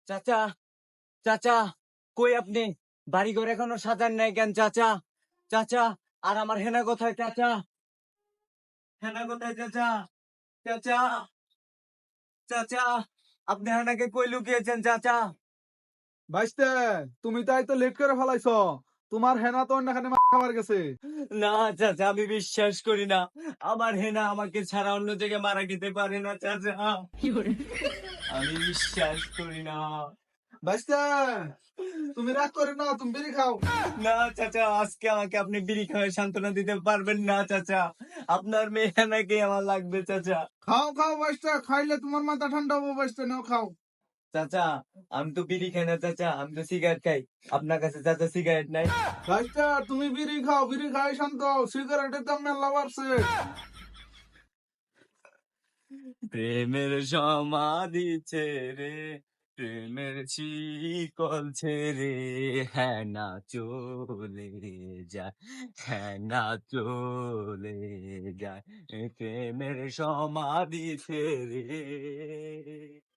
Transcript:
চাচা, চাচা, কই আপনি? বাড়িঘর এখনো সাজান নাই কেন চাচা? চাচা, আর আমার হেনা কোথায় চাচা? হেনা কোথায় চাচা? চাচা, চাচা, আপনি হেনাকে কই লুকিয়েছেন চাচা? ভাইস্তে, তুমি তাই তো লেট করে ফেলাইছ। তোমার হেনা তো অন্যখানে খাবার গেছে। না চাচা, আমি বিশ্বাস করি না। আমার হেনা আমাকে ছাড়া অন্য জায়গায় মারা যেতে পারে না চাচা। আমি বিশ্বাস করি না। ভাইস্তে, তুমি রাগ করে না, তুমি বিড়ি খাও। না চাচা, আজকে আমাকে আপনি বিড়ি খাওয়ায় সান্ত্বনা দিতে পারবেন না চাচা। আপনার মেয়ে হেনাকে আমার লাগবে চাচা। খাও খাও ভাইস্তে, খাইলে তোমার মাথা ঠান্ডা হবো। ভাইস্তে নাও খাও। চাচা, আমি তো বিড়ি খাই না চাচা, আমি তো সিগারেট খাই। আপনার কাছে চাচা সিগারেট নাই? ভাইস্তে, তুমি বিড়ি খাও, বিড়ি খাই শান্ত হও। সিগারেটের দাম মেলা বাড়ছে। প্রেমের সমাধি ছেড়ে, প্রেমের শিকল ছেড়ে, হ্যাঁ না চলে যায়, হ্যাঁ না চলে যায়, প্রেমের সমাধি ছেড়ে।